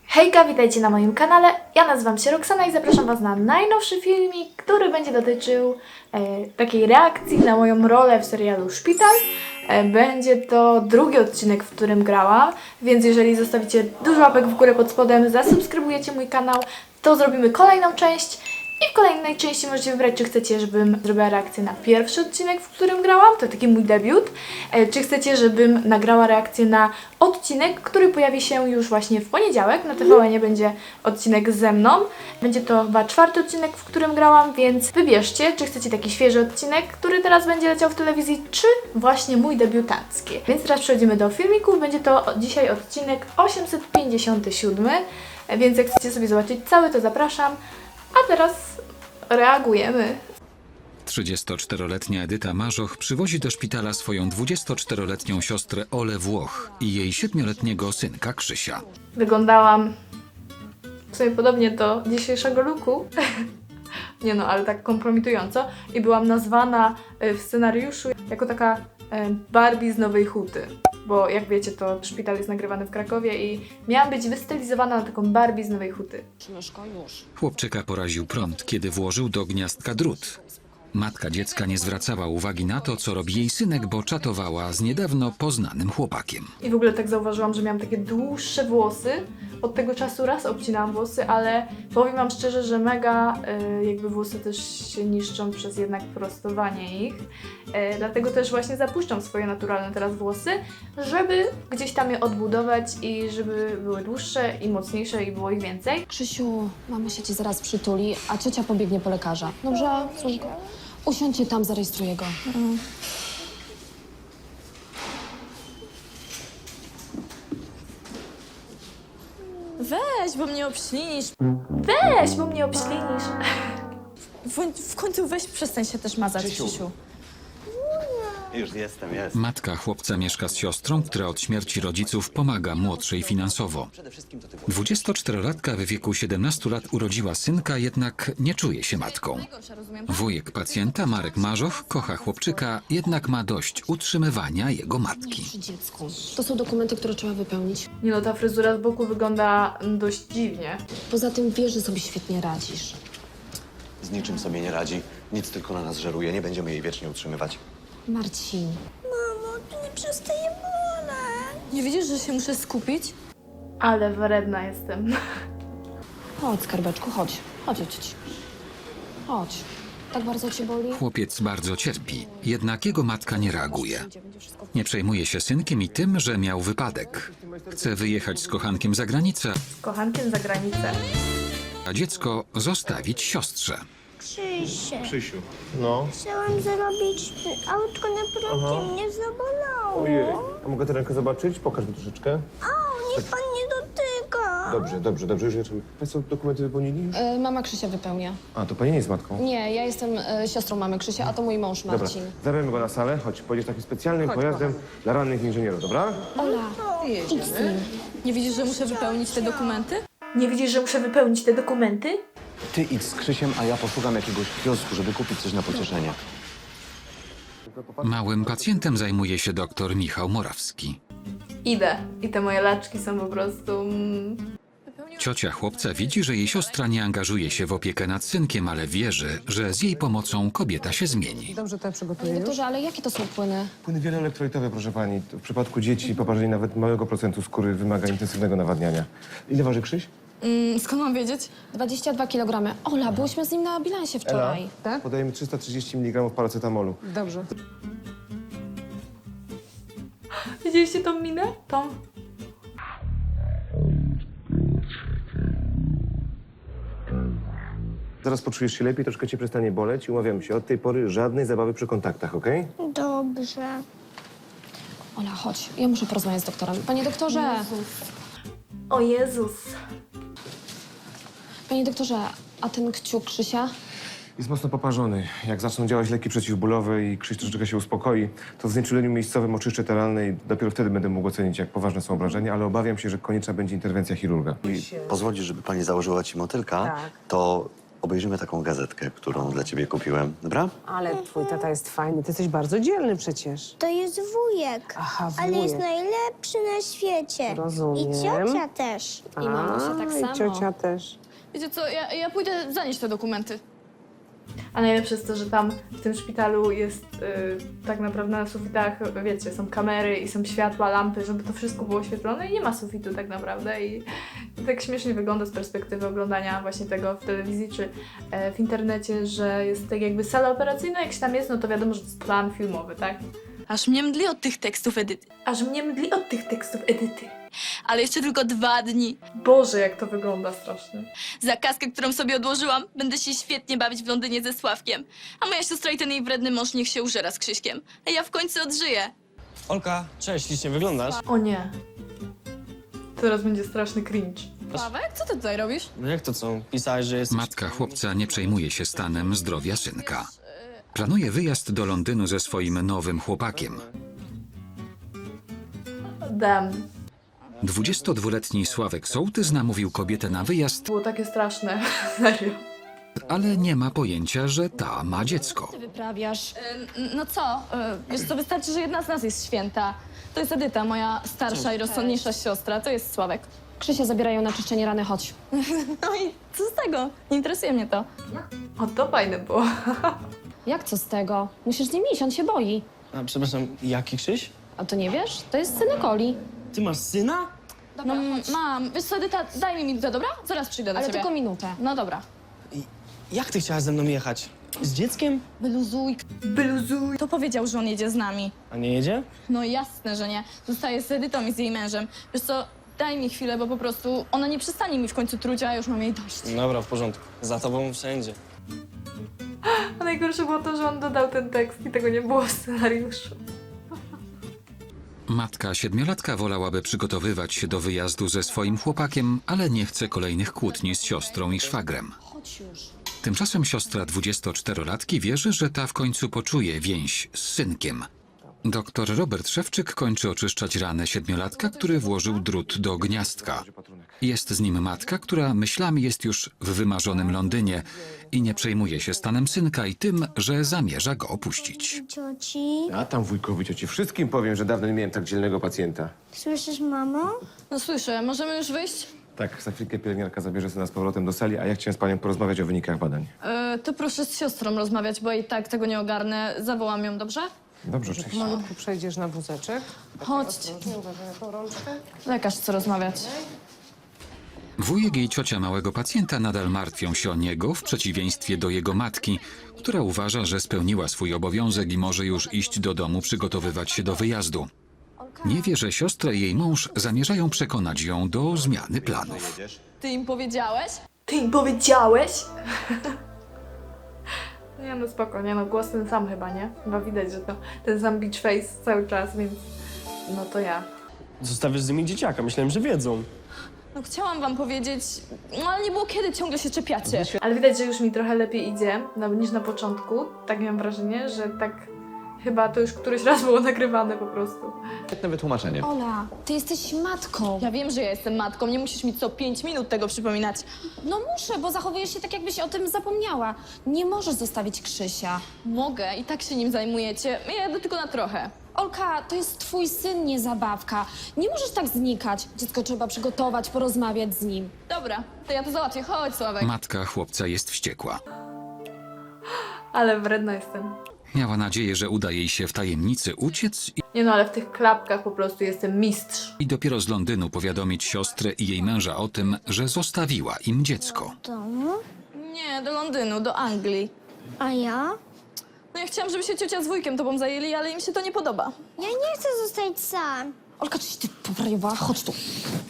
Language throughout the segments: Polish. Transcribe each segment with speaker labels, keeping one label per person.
Speaker 1: Hejka, witajcie na moim kanale. Ja nazywam się Roxana i zapraszam Was na najnowszy filmik, który będzie dotyczył takiej reakcji na moją rolę w serialu Szpital. Będzie to drugi odcinek, w którym grałam, więc jeżeli zostawicie dużo łapek w górę pod spodem, zasubskrybujecie mój kanał, to zrobimy kolejną część. I w kolejnej części możecie wybrać, czy chcecie, żebym zrobiła reakcję na pierwszy odcinek, w którym grałam, to taki mój debiut, czy chcecie, żebym nagrała reakcję na odcinek, który pojawi się już właśnie w poniedziałek. Na TVN-ie będzie odcinek ze mną. Będzie to chyba czwarty odcinek, w którym grałam, więc wybierzcie, czy chcecie taki świeży odcinek, który teraz będzie leciał w telewizji, czy właśnie mój debiutancki. Więc teraz przechodzimy do filmików. Będzie to dzisiaj odcinek 857, więc jak chcecie sobie zobaczyć cały, to zapraszam. A teraz reagujemy.
Speaker 2: 34-letnia Edyta Marzoch przywozi do szpitala swoją 24-letnią siostrę Olę Włoch i jej 7-letniego synka Krzysia.
Speaker 1: Wyglądałam w sumie podobnie do dzisiejszego looku. Nie no, ale tak kompromitująco. I byłam nazwana w scenariuszu jako taka Barbie z Nowej Huty. Bo jak wiecie, to szpital jest nagrywany w Krakowie i miałam być wystylizowana na taką Barbie z Nowej Huty.
Speaker 2: Chłopczyka poraził prąd, kiedy włożył do gniazdka drut. Matka dziecka nie zwracała uwagi na to, co robi jej synek, bo czatowała z niedawno poznanym chłopakiem.
Speaker 1: I w ogóle tak zauważyłam, że miałam takie dłuższe włosy. Od tego czasu raz obcinałam włosy, ale powiem Wam szczerze, że mega jakby włosy też się niszczą przez jednak prostowanie ich. Dlatego też właśnie zapuszczam swoje naturalne teraz włosy, żeby gdzieś tam je odbudować i żeby były dłuższe i mocniejsze i było ich więcej.
Speaker 3: Krzysiu, mama się ci zaraz przytuli, a ciocia pobiegnie po lekarza. Dobrze, córko? Usiądźcie tam, zarejestruję go.
Speaker 4: Weź, bo mnie obślinisz.
Speaker 1: Weź, bo mnie obślinisz.
Speaker 4: W końcu weź, przestań się też mazać, Krzysiu.
Speaker 5: Już jestem.
Speaker 2: Matka chłopca mieszka z siostrą, która od śmierci rodziców pomaga młodszej finansowo. 24-latka w wieku 17 lat urodziła synka, jednak nie czuje się matką. Wujek pacjenta, Marek Marzoch, kocha chłopczyka, jednak ma dość utrzymywania jego matki.
Speaker 3: Przy dziecku. To są dokumenty, które trzeba wypełnić.
Speaker 1: Nie no, ta fryzura z boku wygląda dość dziwnie.
Speaker 3: Poza tym wiesz, że sobie świetnie radzisz.
Speaker 5: Z niczym sobie nie radzi. Nic tylko na nas żeruje. Nie będziemy jej wiecznie utrzymywać.
Speaker 3: Marcin.
Speaker 4: Mamo, to nie przestaje boleć. Nie widzisz, że się muszę skupić?
Speaker 1: Ale wredna jestem.
Speaker 3: Chodź, skarbeczku, chodź. Chodź, chodź. Chodź. Tak bardzo cię boli?
Speaker 2: Chłopiec bardzo cierpi, jednak jego matka nie reaguje. Nie przejmuje się synkiem i tym, że miał wypadek. Chce wyjechać z kochankiem za granicę,
Speaker 1: Z kochankiem za granicę.
Speaker 2: a dziecko zostawić siostrze.
Speaker 6: Krzysiu,
Speaker 7: No.
Speaker 6: chciałam zrobić autko na prąd, mnie zabolało.
Speaker 7: Ojej, a mogę tę rękę zobaczyć? Pokaż mi troszeczkę.
Speaker 6: Niech pan nie dotyka.
Speaker 7: Dobrze, już jedziemy. Państwo dokumenty wypełnili już?
Speaker 3: Mama Krzysia wypełnia.
Speaker 7: A, to pani nie jest matką.
Speaker 3: Nie, ja jestem siostrą mamy Krzysia, a to mój mąż
Speaker 7: Dobra,
Speaker 3: Marcin.
Speaker 7: zabieramy go na salę. Chodź, pojedziesz takim specjalnym pojazdem dla rannych inżynierów, dobra?
Speaker 3: Ola, idź z nim.
Speaker 4: Nie widzisz, że muszę wypełnić te dokumenty?
Speaker 1: Nie widzisz, że muszę wypełnić te dokumenty?
Speaker 5: Ty idź z Krzysiem, a ja poszukam jakiegoś kiosku, żeby kupić coś na pocieszenie.
Speaker 2: Małym pacjentem zajmuje się dr Michał Morawski.
Speaker 1: Idę. I te moje laczki są po prostu...
Speaker 2: Ciocia chłopca widzi, że jej siostra nie angażuje się w opiekę nad synkiem, ale wierzy, że z jej pomocą kobieta się zmieni.
Speaker 3: Panie doktorze, ale jakie to są płyny?
Speaker 7: Płyny wieloelektrolitowe, proszę pani. W przypadku dzieci poparzenie nawet małego procentu skóry wymaga intensywnego nawadniania. Ile waży Krzyś?
Speaker 4: Skąd mam wiedzieć?
Speaker 3: 22 kg. Ola, byłyśmy z nim na bilansie wczoraj.
Speaker 7: Tak? Podajemy 330 mg paracetamolu.
Speaker 1: Widzieliście tą minę? Tą?
Speaker 7: Zaraz poczujesz się lepiej, troszkę cię przestanie boleć i umawiamy się. Od tej pory żadnej zabawy przy kontaktach, okej?
Speaker 6: Dobrze.
Speaker 3: Ola, chodź, ja muszę porozmawiać z doktorem. Panie doktorze!
Speaker 1: O Jezus.
Speaker 3: Panie doktorze, a ten kciuk Krzysia?
Speaker 7: Jest mocno poparzony. Jak zaczną działać leki przeciwbólowe i Krzyś troszeczkę się uspokoi, to w znieczuleniu miejscowym oczyszczę teralne i dopiero wtedy będę mógł ocenić, jak poważne są obrażenia, ale obawiam się, że konieczna będzie interwencja chirurga.
Speaker 5: I pozwolisz, żeby pani założyła ci motylka, to obejrzymy taką gazetkę, którą dla ciebie kupiłem, dobra?
Speaker 8: Ale twój tata jest fajny, ty jesteś bardzo dzielny przecież.
Speaker 6: To jest wujek.
Speaker 8: Aha,
Speaker 6: Ale jest
Speaker 8: wujek.
Speaker 6: najlepszy na świecie.
Speaker 8: Rozumiem.
Speaker 6: I ciocia też.
Speaker 3: I mamusia tak
Speaker 8: i
Speaker 3: samo.
Speaker 8: ciocia też.
Speaker 4: Wiecie co, ja pójdę zanieść te dokumenty.
Speaker 1: A najlepsze jest to, że tam w tym szpitalu jest tak naprawdę na sufitach, wiecie, są kamery i są światła, lampy, żeby to wszystko było oświetlone i nie ma sufitu tak naprawdę i tak śmiesznie wygląda z perspektywy oglądania właśnie tego w telewizji czy w internecie, że jest tak jakby sala operacyjna, jak się tam jest, no to wiadomo, że to jest plan filmowy, tak?
Speaker 4: Aż mnie mdli od tych tekstów Edyty.
Speaker 1: Aż mnie mdli od tych tekstów Edyty.
Speaker 4: Ale jeszcze tylko 2 dni.
Speaker 1: Boże, jak to wygląda strasznie.
Speaker 4: Za kaskę, którą sobie odłożyłam, będę się świetnie bawić w Londynie ze Sławkiem. A moja siostra i ten jej wredny mąż niech się użera z Krzyśkiem. A ja w końcu odżyję.
Speaker 9: Olka, cześć, ślicznie wyglądasz.
Speaker 1: O nie. Teraz będzie straszny cringe.
Speaker 4: Sławek, co ty tutaj robisz?
Speaker 9: No jak to co? Pisałeś, że jesteś...
Speaker 2: Matka chłopca nie przejmuje się stanem zdrowia synka. Planuje wyjazd do Londynu ze swoim nowym chłopakiem.
Speaker 1: Damn.
Speaker 2: 22-letni Sławek Sołtys namówił kobietę na wyjazd,
Speaker 1: Było takie straszne. Serio.
Speaker 2: ale nie ma pojęcia, że ta ma dziecko.
Speaker 3: Ty wyprawiasz.
Speaker 4: No co? Wiesz co, wystarczy, że jedna z nas jest święta. To jest Edyta, moja starsza i rozsądniejsza siostra. To jest Sławek.
Speaker 3: Krzysia zabierają na czyszczenie rany, chodź.
Speaker 4: No i co z tego? Nie interesuje mnie to.
Speaker 1: O, to fajne było.
Speaker 3: Jak co z tego? Musisz z nim iść, on się boi.
Speaker 9: A, przepraszam, jaki Krzyś?
Speaker 3: A to nie wiesz? To jest synek Oli.
Speaker 9: Ty masz syna?
Speaker 4: No mam. Wiesz co, Edyta, daj mi minutę, dobra? Zaraz przyjdę do
Speaker 3: Ale
Speaker 4: ciebie.
Speaker 3: tylko minutę.
Speaker 4: No dobra.
Speaker 9: Jak ty chciałaś ze mną jechać? Z dzieckiem?
Speaker 4: Wyluzuj.
Speaker 1: Bluzuj.
Speaker 4: To powiedział, że on jedzie z nami.
Speaker 9: A nie jedzie?
Speaker 4: No jasne, że nie. Zostaje z Edytą i z jej mężem. Wiesz co, daj mi chwilę, bo po prostu ona nie przestanie mi w końcu truć, a ja już mam jej dość.
Speaker 9: Dobra, w porządku. Za tobą wszędzie.
Speaker 1: A najgorsze było to, że on dodał ten tekst i tego nie było w scenariuszu.
Speaker 2: Matka siedmiolatka wolałaby przygotowywać się do wyjazdu ze swoim chłopakiem, ale nie chce kolejnych kłótni z siostrą i szwagrem.
Speaker 3: Chodź już.
Speaker 2: Tymczasem siostra 24-latki wierzy, że ta w końcu poczuje więź z synkiem. Doktor Robert Szewczyk kończy oczyszczać ranę siedmiolatka, który włożył drut do gniazdka. Jest z nim matka, która myślami jest już w wymarzonym Londynie i nie przejmuje się stanem synka i tym, że zamierza go opuścić.
Speaker 6: Cioci.
Speaker 7: A tam wujkowi, cioci, wszystkim powiem, że dawno nie miałem tak dzielnego pacjenta.
Speaker 6: Słyszysz, mamo?
Speaker 4: No słyszę, możemy już wyjść?
Speaker 7: Tak, za chwilkę pielęgniarka zabierze syna z powrotem do sali, a ja chciałem z panią porozmawiać o wynikach badań.
Speaker 4: To proszę z siostrą rozmawiać, bo i tak tego nie ogarnę. Zawołam ją, dobrze?
Speaker 7: Dobrze, oczywiście.
Speaker 8: Malutku przejdziesz na wózeczek.
Speaker 4: Chodźcie.
Speaker 8: Uważaj na tą rączkę.
Speaker 4: Lekarz chce rozmawiać.
Speaker 2: Wujek i ciocia małego pacjenta nadal martwią się o niego, w przeciwieństwie do jego matki, która uważa, że spełniła swój obowiązek i może już iść do domu przygotowywać się do wyjazdu. Nie wie, że siostra i jej mąż zamierzają przekonać ją do zmiany planów.
Speaker 4: Ty im powiedziałeś?
Speaker 1: Ty im powiedziałeś? Nie no spoko, nie no, głos ten sam chyba, nie? Chyba widać, że to ten sam beach face cały czas, więc no to ja.
Speaker 9: Zostawiasz z nimi dzieciaka, myślałem, że wiedzą.
Speaker 4: No chciałam wam powiedzieć, no ale nie było kiedy, ciągle się czepiacie.
Speaker 1: Ale widać, że już mi trochę lepiej idzie niż na początku. Tak miałam wrażenie, że tak chyba to już któryś raz było nagrywane po prostu.
Speaker 5: Świetne wytłumaczenie.
Speaker 3: Ola, ty jesteś matką.
Speaker 4: Ja wiem, że ja jestem matką, nie musisz mi co 5 minut tego przypominać.
Speaker 3: No muszę, bo zachowujesz się tak, jakbyś o tym zapomniała. Nie możesz zostawić Krzysia.
Speaker 4: Mogę, i tak się nim zajmujecie. Ja jadę tylko na trochę.
Speaker 3: Olka, to jest twój syn, nie zabawka. Nie możesz tak znikać. Dziecko trzeba przygotować, porozmawiać z nim.
Speaker 4: Dobra, to ja to załatwię. Chodź, Sławek.
Speaker 2: Matka chłopca jest wściekła.
Speaker 1: Ale wredna jestem.
Speaker 2: Miała nadzieję, że uda jej się w tajemnicy uciec
Speaker 1: Nie no, ale w tych klapkach po prostu jestem mistrz.
Speaker 2: i dopiero z Londynu powiadomić siostrę i jej męża o tym, że zostawiła im dziecko.
Speaker 6: Domu?
Speaker 4: Nie, do Londynu, do Anglii.
Speaker 6: A ja?
Speaker 4: No ja chciałam, żeby się ciocia z wujkiem tobą zajęli, ale im się to nie podoba.
Speaker 6: Ja nie chcę zostać sam.
Speaker 3: Olka, czyś ty powariowała? Chodź tu.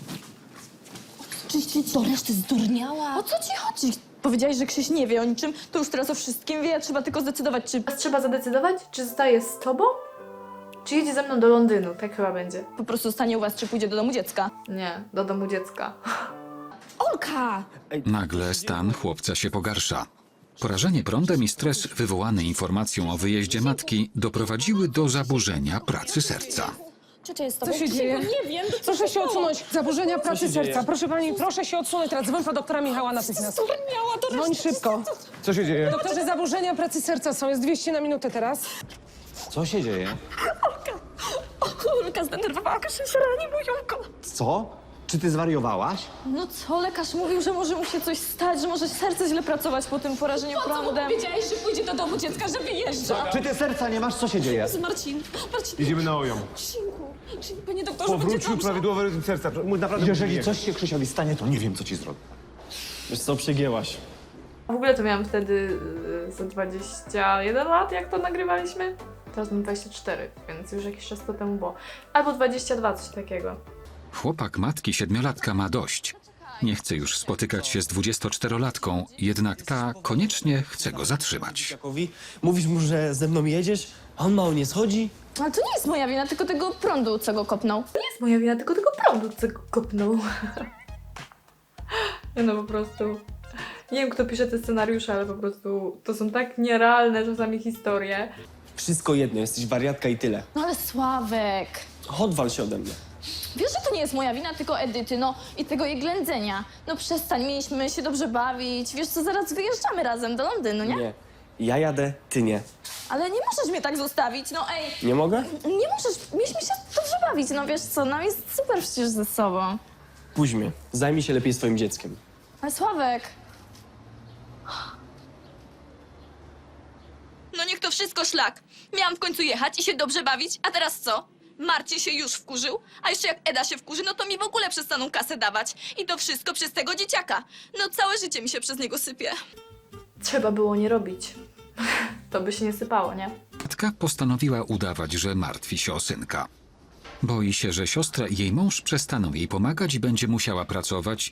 Speaker 3: Czyś ty do reszty zdurniała?
Speaker 4: O co ci chodzi? Powiedziałeś, że Krzyś nie wie o niczym, to już teraz o wszystkim wie, trzeba tylko zdecydować, czy
Speaker 1: Teraz trzeba zadecydować, czy zostaje z tobą, czy jedzie ze mną do Londynu. Tak chyba będzie.
Speaker 4: po prostu stanie u was, czy pójdzie do domu dziecka.
Speaker 1: Nie, do domu dziecka.
Speaker 3: Olka!
Speaker 2: Nagle stan chłopca się pogarsza. Porażenie prądem i stres wywołany informacją o wyjeździe matki doprowadziły do zaburzenia pracy serca.
Speaker 3: Ciocia jest z
Speaker 8: Co
Speaker 3: tobą.
Speaker 8: się dzieje?
Speaker 3: Nie wiem.
Speaker 8: Proszę się odsunąć. Zaburzenia pracy
Speaker 9: się dzieje?
Speaker 8: serca. Proszę pani, proszę się odsunąć teraz. Dzwoń po doktora Michała natychmiast.
Speaker 3: Miała to
Speaker 8: Dzwoń szybko.
Speaker 7: Co się dzieje?
Speaker 8: Doktorze, zaburzenia pracy serca są. Jest 200 na minutę teraz.
Speaker 5: Co się dzieje?
Speaker 4: Olka zdenerwowała Krzysia, rani moją
Speaker 5: Co? Czy ty zwariowałaś?
Speaker 4: No co, lekarz mówił, że może mu się coś stać, że może serce źle pracować po tym porażeniu prądem.
Speaker 3: Wiedziałeś, że pójdzie do domu dziecka, że wyjeżdża.
Speaker 5: Czy ty serca nie masz? Co się dzieje?
Speaker 3: Marcin,
Speaker 7: Idziemy na OJOM.
Speaker 3: panie doktorze, będzie
Speaker 7: Powrócił
Speaker 3: dobrze.
Speaker 7: prawidłowy rytm serca. Naprawdę
Speaker 5: Jeżeli coś się Krzysiowi stanie, to nie wiem, co ci zrobię.
Speaker 9: Wiesz co, przegięłaś.
Speaker 1: W ogóle to miałam wtedy za 21 lat, jak to nagrywaliśmy. Teraz mam 24, więc już jakiś czas to temu było. Albo 22, coś takiego.
Speaker 2: Chłopak matki 7-latka ma dość. Nie chce już spotykać się z 24-latką, jednak ta koniecznie chce go zatrzymać.
Speaker 9: Jakowi, mówisz mu, że ze mną jedziesz, a on mało nie schodzi?
Speaker 4: Ale to nie jest moja wina, tylko tego prądu, co go kopnął.
Speaker 1: To nie jest moja wina, tylko tego prądu, co go kopnął. No po prostu... Nie wiem, kto pisze te scenariusze, ale po prostu to są tak nierealne czasami historie.
Speaker 9: Wszystko jedno, jesteś wariatka i tyle.
Speaker 4: No ale Sławek,
Speaker 9: Odwal się ode mnie.
Speaker 4: wiesz, że to nie jest moja wina, tylko Edyty, no i tego jej ględzenia. No przestań, mieliśmy się dobrze bawić. Wiesz co, zaraz wyjeżdżamy razem do Londynu, nie?
Speaker 9: Nie. Ja jadę, ty nie.
Speaker 4: Ale nie możesz mnie tak zostawić, no ej.
Speaker 9: Nie mogę?
Speaker 4: Nie możesz, mieliśmy się dobrze bawić, no wiesz co, nam jest super przecież ze sobą.
Speaker 9: Puść mnie. Zajmij się lepiej swoim dzieckiem.
Speaker 4: Ale Sławek... No niech to wszystko szlak. Miałam w końcu jechać i się dobrze bawić, a teraz co? Marcin się już wkurzył, a jeszcze jak Eda się wkurzy, no to mi w ogóle przestaną kasę dawać. I to wszystko przez tego dzieciaka. No całe życie mi się przez niego sypie.
Speaker 1: Trzeba było nie robić. To by się nie sypało, nie?
Speaker 2: Matka postanowiła udawać, że martwi się o synka. Boi się, że siostra i jej mąż przestaną jej pomagać i będzie musiała pracować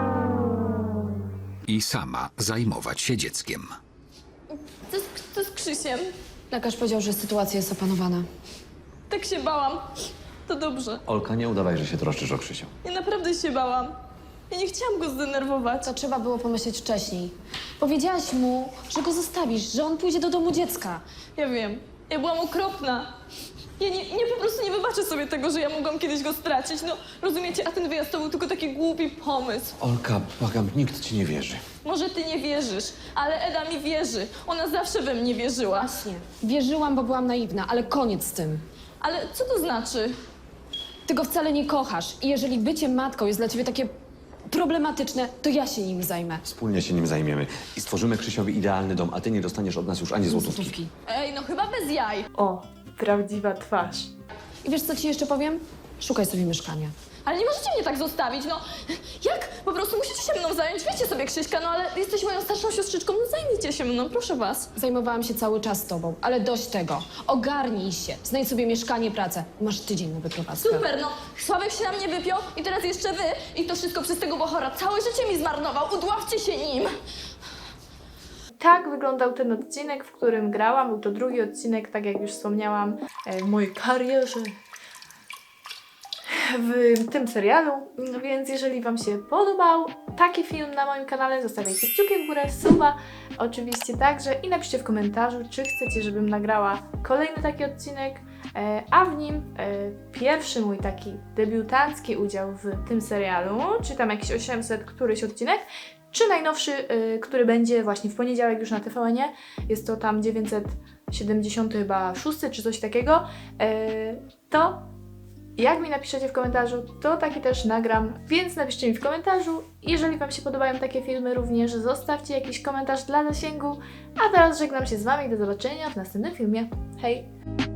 Speaker 2: i sama zajmować się dzieckiem.
Speaker 4: To z Krzysiem.
Speaker 3: Lekarz powiedział, że sytuacja jest opanowana.
Speaker 4: Tak się bałam. To dobrze.
Speaker 5: Olka, nie udawaj, że się troszczysz o Krzysia.
Speaker 4: Ja naprawdę się bałam. Ja nie chciałam go zdenerwować.
Speaker 3: To trzeba było pomyśleć wcześniej. Powiedziałaś mu, że go zostawisz, że on pójdzie do domu dziecka.
Speaker 4: Ja wiem. Ja byłam okropna. Ja po prostu nie wybaczę sobie tego, że ja mogłam kiedyś go stracić. No, rozumiecie? A ten wyjazd to był tylko taki głupi pomysł.
Speaker 5: Olka, błagam, nikt ci nie wierzy.
Speaker 4: Może ty nie wierzysz, ale Eda mi wierzy. Ona zawsze we mnie wierzyła.
Speaker 3: Właśnie. Wierzyłam, bo byłam naiwna, ale koniec z tym.
Speaker 4: Ale co to znaczy?
Speaker 3: Ty go wcale nie kochasz i jeżeli bycie matką jest dla ciebie takie problematyczne, to ja się nim zajmę.
Speaker 5: Wspólnie się nim zajmiemy i stworzymy Krzysiowi idealny dom, a ty nie dostaniesz od nas już ani złotówki.
Speaker 4: Ej, no chyba bez jaj.
Speaker 1: O, prawdziwa twarz.
Speaker 3: I wiesz, co ci jeszcze powiem? Szukaj sobie mieszkania.
Speaker 4: Ale nie możecie mnie tak zostawić, no. Jak? Po prostu musicie się mną zająć. Wiecie sobie, Krzyśka, no ale jesteś moją starszą siostrzyczką, no zajmijcie się mną, proszę was.
Speaker 3: Zajmowałam się cały czas tobą, ale dość tego. Ogarnij się, znajdź sobie mieszkanie, pracę. Masz tydzień na wyprowadzkę.
Speaker 4: Super, no. Sławek się na mnie wypiął i teraz jeszcze wy. I to wszystko przez tego bohora. Całe życie mi zmarnował. Udławcie się nim.
Speaker 1: Tak wyglądał ten odcinek, w którym grałam. Był to drugi odcinek, tak jak już wspomniałam, w mojej karierze w tym serialu. Więc jeżeli Wam się podobał taki film na moim kanale, zostawiajcie kciuki w górę, suba oczywiście także i napiszcie w komentarzu, czy chcecie, żebym nagrała kolejny taki odcinek, a w nim pierwszy mój taki debiutancki udział w tym serialu, czy tam jakiś 800 któryś odcinek, czy najnowszy, który będzie właśnie w poniedziałek już na TVN-ie. Jest to tam 970 chyba 6 czy coś takiego. To jak mi napiszecie w komentarzu, to taki też nagram, więc napiszcie mi w komentarzu. Jeżeli Wam się podobają takie filmy również, zostawcie jakiś komentarz dla zasięgu. A teraz żegnam się z Wami, do zobaczenia w następnym filmie. Hej!